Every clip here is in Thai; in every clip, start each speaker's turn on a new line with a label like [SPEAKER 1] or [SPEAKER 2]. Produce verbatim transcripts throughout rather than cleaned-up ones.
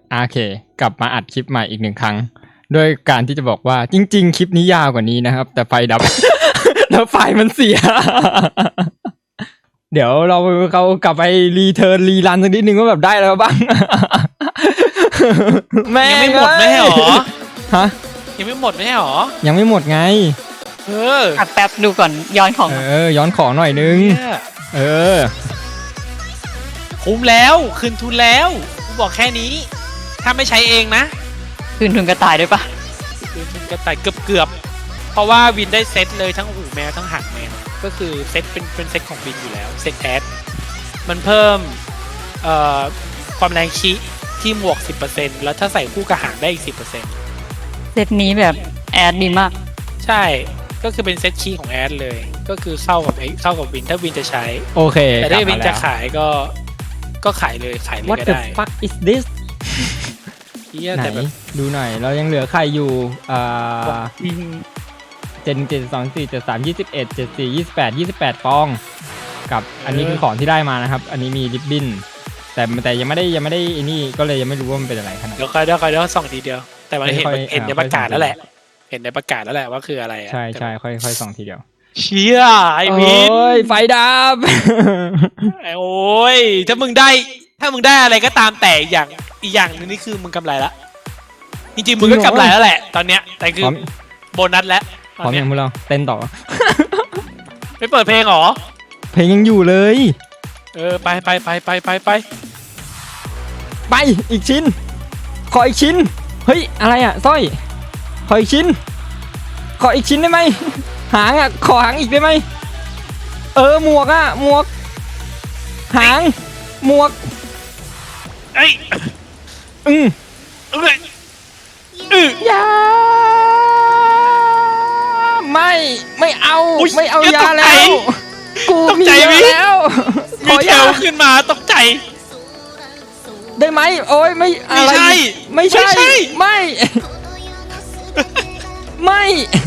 [SPEAKER 1] โอเคกลับมาอัดคลิปใหม่อีกหนึ่งครั้งด้วยการที่จะบอกว่าจริงๆคลิปนี้ยาวกว่านี้นะครับแต่ไฟดับ แล้วไฟมันเสีย เดี๋ยวเราเขากลับไปรีเทิร์นรีรันสักนิดนึงว่าแบบได้แล้วบ้าง
[SPEAKER 2] แม่ยังไม่หมดไม่ใช่หรอ
[SPEAKER 1] ฮะ
[SPEAKER 2] ยังไม่หมดไม่ใช่หรอ
[SPEAKER 1] ยังไม่หมดไง
[SPEAKER 2] เออ
[SPEAKER 3] อัดแป๊บดูก่อนย้อนของ
[SPEAKER 1] เออย้อนของหน่อยนึงเออ
[SPEAKER 2] คุ้มแล้วคืนทุนแล้วกูบอกแค่นี้ถ้าไม่ใช้เองนะ
[SPEAKER 3] คืนทุนกระต่ายด้วยปะ
[SPEAKER 2] คืนทุนกระต่ายเกือบเกือบเพราะว่าวินได้เซตเลยทั้งหูแมวทั้งหางแมวก็คือเซตเป็นเป็นเซตของวินอยู่แล้วเซตแอดมันเพิ่มเอ่อความแรงคีที่หมวก สิบเปอร์เซ็นต์ แล้วถ้าใส่คู่กับหางได้อีก สิบเปอร์เซ็นต์
[SPEAKER 3] เซตนี้แบบแอดดีมาก
[SPEAKER 2] ใช่ก็คือเป็นเซตคีของแอดเลยก็คือเข้ากับเข้ากับวินถ้าวินจะใช้
[SPEAKER 1] โอเค
[SPEAKER 2] แต่ถ้าวินจะขายก็ก็ขายเลยขายเลยก็ได้
[SPEAKER 1] What the fuck is this ไหนดูหน่อยเรายังเหลือใครอยู่อ่าเจ็ดเจ็ดสองสี่เจ็ดสามยี่สิบเอ็ดเจ็ดสี่ยี่สิบแปดยี่สิบแปดฟองกับอันนี้คือของที่ได้มานะครับอันนี้มีริบบิ้นแต่แต่ยังไม่ได้ยังไม่ได้อันนี้ก็เลยยังไม่รู้ว่ามันเป็นอะไรขนาด
[SPEAKER 2] เดี๋ยวค่อยเดี๋ยวค่อยเดี๋ยวส่องทีเดียวแต่มันเห็นเห็นในประกาศแล้วแหละเห็นในประกาศแล้วแหละว่าคืออะไร
[SPEAKER 1] ใช่ใช่ค่อยค่อยส่องทีเดียว
[SPEAKER 2] เชี่ยไอวิน
[SPEAKER 1] โอ้ยไฟดับ
[SPEAKER 2] โอ้ยถ้ามึงได้ถ้ามึงได้อะไรก็ตามแต่อย่างอีกอย่างนึงนี่คือมึงกำไรละจริงๆมึงก็กำไรแล้วแหละตอนเนี้ยแต่คือโบนัสแล้ว
[SPEAKER 1] พร้อมยังมึงเราเต้นต่อ
[SPEAKER 2] ไม่เปิดเพลงหรอ
[SPEAKER 1] เพลงยังอยู่เลย
[SPEAKER 2] เออไปไปไปไปไปไป
[SPEAKER 1] ไปอีกชิ้นขออีกชิ้นเฮ้ยอะไรอ่ะสร้อยขออีกชิ้นขออีกชิ้นได้ไหมหางอ่ะขอหางอีกได้ไหมเออหมวกอ่ะหมวกหางหมวก
[SPEAKER 2] ไอ้
[SPEAKER 1] อืม
[SPEAKER 2] เอ้ยอือย
[SPEAKER 1] าไม่ไม่เอาไม่เอายาแล้วกูมียาแล้ว
[SPEAKER 2] ขอยาขึ้นมาตกใจ
[SPEAKER 1] ได้ไหมโอ้ยไม่อะไรไม่ใช่ไม่ไม่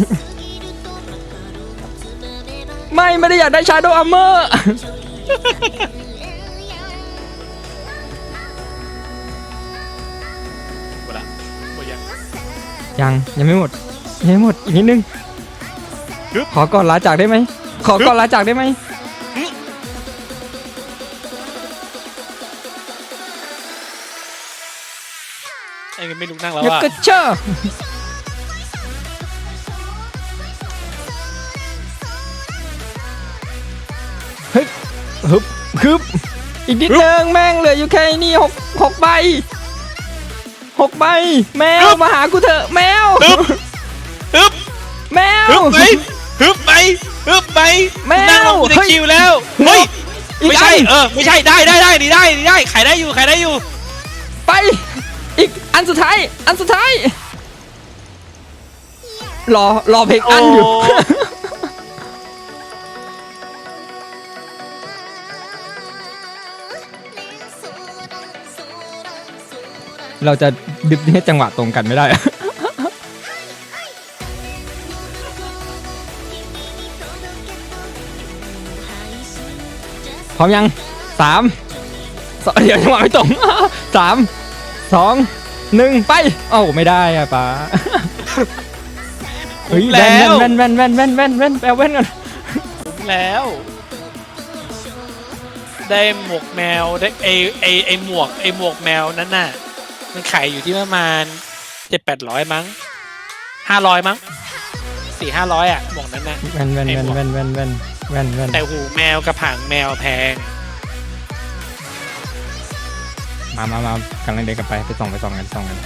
[SPEAKER 1] ไม่ไม่ได้อยากได้ชาโดว์อัมเมอร์ยังยังไม่หมดยังไม่หมดอีกนิดนึงขอก่อนลาจากได้ไหมขอก่อนลาจากได้ไหม
[SPEAKER 2] ไอ้ไม่ลุกนั่งแล้ว
[SPEAKER 1] อ่ะกระเชอเฮ้ยฮึบฮึบอีกนิดนึงแม่งเหลืออยู่แค่นี้หกหกใบหกใบแมวมาหากูเถอะแมว
[SPEAKER 2] ฮึบฮึบ
[SPEAKER 1] แมว
[SPEAKER 2] ฮึบไปฮึบไปฮึบไป
[SPEAKER 1] แมว
[SPEAKER 2] นั่งลงกูได้คิวแล้วเฮ้ยไม่ใช่เออไม่ใช่ได้ได้ได้ดีได้ดีได้ขายได้อยู่ขายได้อยู่
[SPEAKER 1] ไปอีกอันสุดท้ายอันสุดท้ายรอรอเพลงอันอยู่เราจะดึบให้จังหวะตรงกันไม่ได้พร้อมยังสามสองเดี๋ยวจังหวะไม่ตรงสามสองหนึ่งไปเอ้าไม่ได้อะป้าเฮ้ยแว่นแว่นแว่นแว่นแว่นแว่นแว่นแปลแว่นก่อน
[SPEAKER 2] แล้วได้หมวกแมวได้ไอไอไอหมวกไอหมวกแมวนั้นน่ะมันขายอยู่ที่ประมาณเจ็ดแปดร้อยมั้งห้าร้อยมั้งสี่ห้าร้อยอ่ะหมวกนั้นนะ
[SPEAKER 1] แว่นแว่นแว่นแว่นแว่นแว่นแว่นแว่น
[SPEAKER 2] แต่หูแมวกับหางแมวแพง
[SPEAKER 1] มามามากำลังเดินกลับไปไปส่องไปส่องกันส่องกัน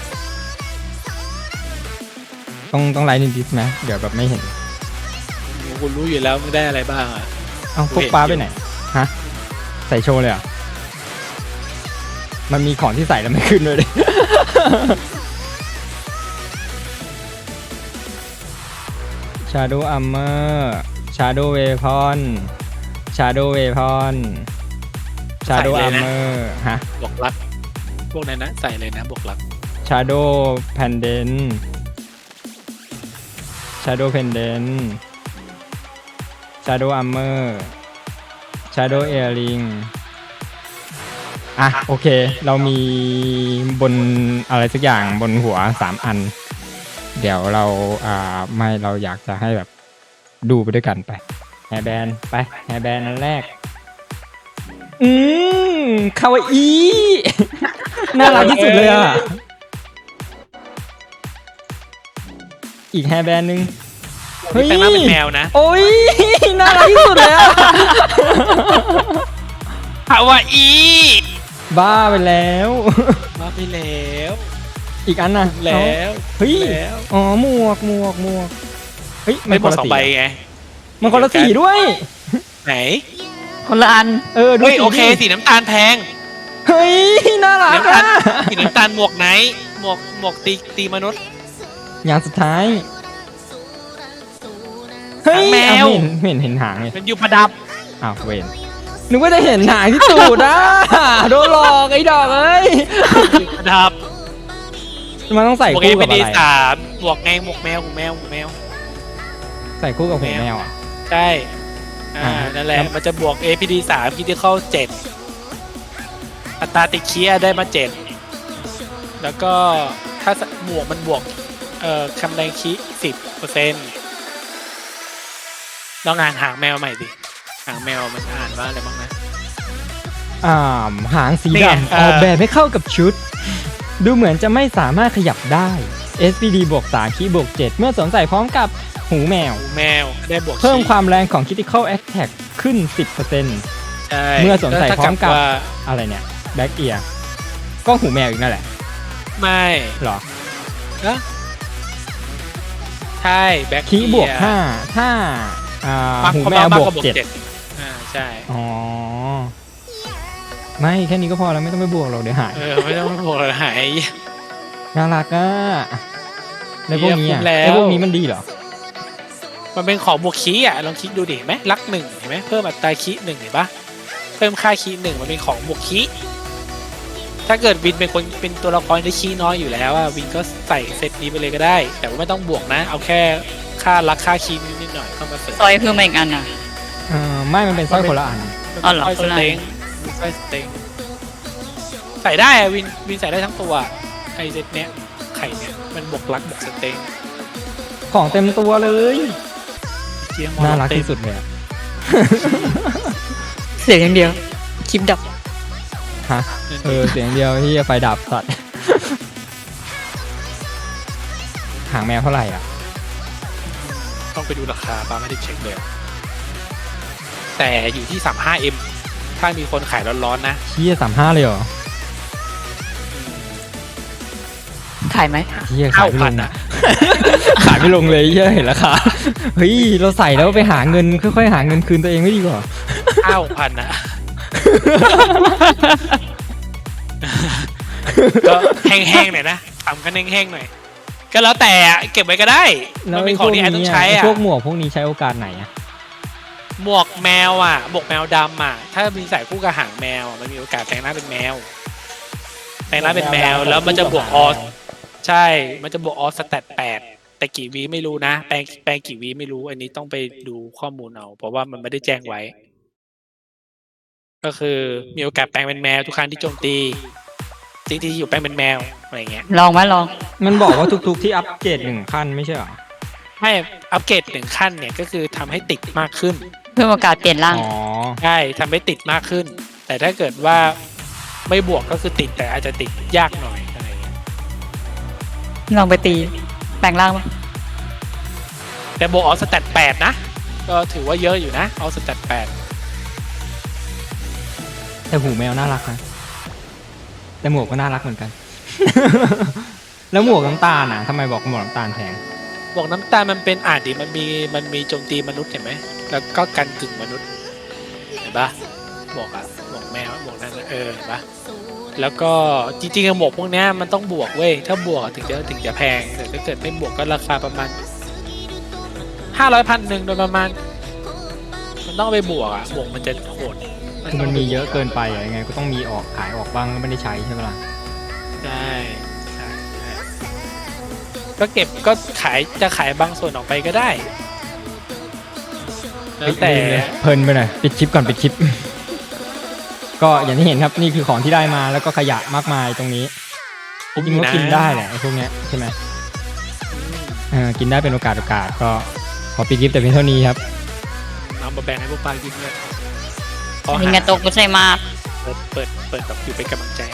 [SPEAKER 1] ต้องต้องไลน์นิดนิดไหมเดี๋ยวแบบไม่เห็น
[SPEAKER 2] คุณรู้อยู่แล้วมึงได้อะไรบ้างอ่ะ
[SPEAKER 1] เอ้าพวกป้าไปไหนฮะใส่โชว์เลยอ่ะมันมีของที่ใส่แล้วไม่ขึ้นด้วยเลยชาโดว์อัมเมอร์ชาโดว์เวพอนชาโดว์เวพอนชาโดว์อัมเมอร์ฮะ
[SPEAKER 2] บวกลักพวกนั้นนะใส่เลยนะบวกลัก
[SPEAKER 1] ชาโดว์แพนเดนชาโดว์แพนเดนชาโดว์อัมเมอร์ชาโดว์เอริงชอ่ะโอเค เรามีบนอะไรสักอย่างบนหัวสามอัน เดี๋ยวเราอ่าไม่เราอยากจะให้แบบดูไปด้วยกันไปแฮร์แบนไปแฮร์แบนอันแรก อืมคาวาอี น่ารักที่สุดเลยอ่ะ อีกแฮร์แบนหนึ่ง เฮ้ย
[SPEAKER 2] แต่งหน้าเป็นแมวนะ
[SPEAKER 1] โอ้ยน่ารักที่สุดเลยอ่ะ
[SPEAKER 2] คาวาอี
[SPEAKER 1] บ้าไปแล้ว
[SPEAKER 2] มาไปแล้ว
[SPEAKER 1] อีกอันน่ะ
[SPEAKER 2] แล้ว
[SPEAKER 1] เฮ้ย
[SPEAKER 2] แล้ว
[SPEAKER 1] อ๋อหมวกหมวกหมวกเฮ้ย
[SPEAKER 2] ไม่หม
[SPEAKER 1] คน
[SPEAKER 2] ด
[SPEAKER 1] ละ
[SPEAKER 2] สอง
[SPEAKER 1] สี
[SPEAKER 2] ใบไง
[SPEAKER 1] มันคนละสีด้วย
[SPEAKER 2] ไหน
[SPEAKER 3] คนละอัน
[SPEAKER 1] เออดู
[SPEAKER 2] เฮ้ย
[SPEAKER 1] สี
[SPEAKER 2] โอเค
[SPEAKER 1] ดิ
[SPEAKER 2] สีน้ำตาลแพง
[SPEAKER 1] เฮ้ยน่ารัก
[SPEAKER 2] น้ำตา
[SPEAKER 1] อ่ะ
[SPEAKER 2] ลสีน้ำตาลหมวกไหนหมวกหมวกตีตีมนุษย์
[SPEAKER 1] อย่างสุดท้ายเฮ้ย
[SPEAKER 2] หางแมว
[SPEAKER 1] อ้าไม่เห็นไม่เห็นเห็นหางเลย
[SPEAKER 2] มันอยู่ประดับ
[SPEAKER 1] อ้าวเวนนึกว่าจะเห็นหางที่ตูดอ่ะ โดนหลอกไอ้ดอกเอ้ย
[SPEAKER 2] อยู่ประดับ
[SPEAKER 1] มันต้องใส่
[SPEAKER 2] หมวกเอ
[SPEAKER 1] คู่
[SPEAKER 2] พี
[SPEAKER 1] กับอะ
[SPEAKER 2] ดี
[SPEAKER 1] ไร
[SPEAKER 2] สามหมวกไงหมวกแมวหมวกแมวหมวกแมว
[SPEAKER 1] ใส่คู่กับหูแมวอ่ะ
[SPEAKER 2] ใช่อ่า
[SPEAKER 1] อ่า
[SPEAKER 2] นั่นแหละ
[SPEAKER 1] แล้ว
[SPEAKER 2] มันจะบวก เอ พี ดี สาม Critical เจ็ดอัตราติดเคียได้มาเจ็ดแล้วก็ถ้าหมวกมันบวกเอ่อคำแรงคีสิบเปอร์เซ็นต์ลองอ่านหางแมวใหม่ดิหางแมวมันอ่านว่าอะไรบ้างนะ
[SPEAKER 1] อ่าหางสี
[SPEAKER 2] นี่ไง
[SPEAKER 1] ดำ
[SPEAKER 2] เอ
[SPEAKER 1] อ
[SPEAKER 2] อ
[SPEAKER 1] อกแบบให้เข้ากับชุด ดูเหมือนจะไม่สามารถขยับได้ เอส พี ดี บวกสามคีย์บวกเจ็ดเมื่อสวมใส่พร้อมกับหูแมว
[SPEAKER 2] หูแมวได้บวก
[SPEAKER 1] เพิ่ม
[SPEAKER 2] คี
[SPEAKER 1] ความแรงของ Critical Attack ขึ้น สิบเปอร์เซ็นต์
[SPEAKER 2] ใช่
[SPEAKER 1] เมื่อสวมใส่พร้อมกับ
[SPEAKER 2] ว่า
[SPEAKER 1] อะไรเนี่ย แบ็กเอียร์ก็หูแมวอีกนั่นแหละ
[SPEAKER 2] ไม่
[SPEAKER 1] เหรอ
[SPEAKER 2] นะใช่แบ็ค
[SPEAKER 1] คีย์บวกห้าถ้าอ่าหูแมวบวกเจ็ด
[SPEAKER 2] อ่าใช่
[SPEAKER 1] อ๋อ ไม่แค่นี้ก็พอแล้วไม่ต้องไปบวกหรอกเดี๋ยวหาย
[SPEAKER 2] เออไม่ต้องบวกเลยหาย
[SPEAKER 1] น่ารักอ่ะแล้วพวกนี้อ่ะ
[SPEAKER 2] เยี่ยมแล้ว
[SPEAKER 1] แล้วพวกนี้มันดีเหรอ
[SPEAKER 2] มันเป็นของบวกคีย์อ่ะลองคิดดูดิเห็นไหมลักหนึ่งเห็นไหมเพิ่มอัตราคีย์หนึ่งเห็นปะเพิ่มค่าคีย์หนึ่งมันเป็นของบวกคีย์ถ้าเกิดวินเป็นคนเป็นตัวละครที่คีย์น้อยอยู่แล้วอ่ะวินก็ใส่เซตนี้ไปเลยก็ได้ แต่ว่าไม่ต้องบวกนะ เอาแค่ค่าลักค่าคีย์นิดๆหน่อยเข้ามาเสริม
[SPEAKER 3] ซอยเพิ่มมาอีกอันอ่ะ
[SPEAKER 1] เออไม่มันเป็นสร้อยคนละอัน
[SPEAKER 3] อ๋อเหรอ
[SPEAKER 2] สร้อยส
[SPEAKER 3] คนละ
[SPEAKER 2] เต็งสร้อยสเต็งใส่ได้อะวินวินใส่ได้ทั้งตัวไอเซตเนี้ยไข่เนี้ยมันบวกลักบวกสเต็ง
[SPEAKER 1] ของเต็มตัวเลย
[SPEAKER 2] เจียง
[SPEAKER 1] น่ารักที่สุดเลยอะ
[SPEAKER 3] เสียงอย่างเดียว คลิปดับ
[SPEAKER 1] ฮะเออเสียงเดียวที่ไฟดับสัตว์ หางแมวเท่าไหร่อ่ะ
[SPEAKER 2] ต้องไปดูราคาปาไม่ได้เช็คเลยแต่อยู่ที่ สามสิบห้าเอ็ม ถ้ามีคนขายร้อนๆนะ
[SPEAKER 1] เชี่ยสามห้าเลยเหรอ
[SPEAKER 3] ขายไหม
[SPEAKER 1] เชี่ยขายไม่ลง
[SPEAKER 2] เก้าพัน
[SPEAKER 1] นะ
[SPEAKER 2] อะ
[SPEAKER 1] ขายไม่ลงเลยเชี่ยเห็นราคาเฮ้ยเราใส่แล้วไปหาเงินค่อยๆหาเงินคืนตัวเองไม่ดีกว่า
[SPEAKER 2] เก้าพันนะก็แห้งๆหน่อยนะทำกันแห้งๆหน่อย ก็แล้วแต่อะเก็บไว้ก็ได้ มันเป็นของที่แอนต้องใช้
[SPEAKER 1] ไอ้
[SPEAKER 2] อ่ะ
[SPEAKER 1] พวกหมวกพวกนี้ใช้โอกาสไหนอ่ะ
[SPEAKER 2] หมวกแมวอ่ะหมวกแมวดำอ่ะ ถ้ามีใส่คู่กับหางแมวอะมันมีโอกาสแปลงหน้าเป็นแมวแปลงหน้าเป็นแมวแล้วมันจะบวกออสใช่ มันจะบวกออสสแตทแปดแต่กี่วีไม่รู้นะ แปลงแปลงกี่วีไม่รู้ อันนี้ต้องไปดูข้อมูลเอา เพราะว่ามันไม่ได้แจ้งไว้ ก็คือมีโอกาสแปลงเป็นแมวทุกครั้งที่โจมตีจริงๆอยู่แปลงเป็นแมวอะไรเงี้ย
[SPEAKER 3] ลองไหมลอง
[SPEAKER 1] มันบอกว่าทุกๆที่อัปเกรดหนึ่งขั้นไม่ใช่เหรอ
[SPEAKER 2] ให้อัปเกรดหนึ่งขั้นเนี่ยก็คือทำให้ติดมากขึ้น
[SPEAKER 3] เพิ่มโอกาสเปลี่ยนร่าง
[SPEAKER 1] อ๋อ
[SPEAKER 2] ใช่ทำให้ติดมากขึ้น แต่ถ้าเกิดว่าไม่บวกก็คือติดแต่อาจจะติดยากหน่อยอะไรเงี้ย
[SPEAKER 3] ลองไปตี แปลงร่างปะ
[SPEAKER 2] แต่บวกเอาสแตทแปดนะ ก็ถือว่าเยอะอยู่นะเอาสแตทแปด
[SPEAKER 1] แต่หูแมวน่ารักนะแต่หมวกก็น่ารักเหมือนกัน แล้วหมวกน้ำตาลน่ะทำไมบอกหมวกน้ำตาลแพง
[SPEAKER 2] บวกน้ำตาลมันเป็นอ่านดิมันมีมันมีโจมตีมนุษย์เห็นไหมแล้วก็กันกึ่งมนุษย์เห็นปะบวกอะบวกแมวบวกนั่นนะเออเห็นปะแล้วก็จริงๆอะหมวกพวกเนี้ยมันต้องบวกเว้ยถ้าบวกถึงจะถึงจะแพงแต่ถ้าเกิดไม่บวกก็ราคาประมาณห้าร้อยพันหนึ่งโดยประมาณ มันต้องไปบวกอะบวกมันจะโหด
[SPEAKER 1] คือมันมีเยอะเกินไปอะยังไงก็ต้องมีออกขายออกบ้างแล้วไม่ได้ใช้ใช่ไหมล่ะ
[SPEAKER 2] ใช่ใช่ใช่ก็เก็บก็ขายจะขายบางส่วนออกไปก็ได้แล้วแต่
[SPEAKER 1] เพลินไปหน่อยปิดคลิปก่อนปิดคลิป ก็ก็อย่างที่เห็นครับนี่คือของที่ได้มาแล้วก็ขยะมากมายตรงนี้จริงๆก็กินได้แหละไอ้พวกเนี้ยใช่ไหมเออกินได้เป็นโอกาสโอกาสก็ขอปิดคลิปแต่เพียงเท่านี้ครับ
[SPEAKER 2] เอามาแบ่งให้พวกปลากินเลยขอ
[SPEAKER 3] ยิง
[SPEAKER 2] หา
[SPEAKER 3] กระตกไม่ใช่มาก
[SPEAKER 2] เปิดเปิดเปิดแบบอยู่เป็นกำลังใจ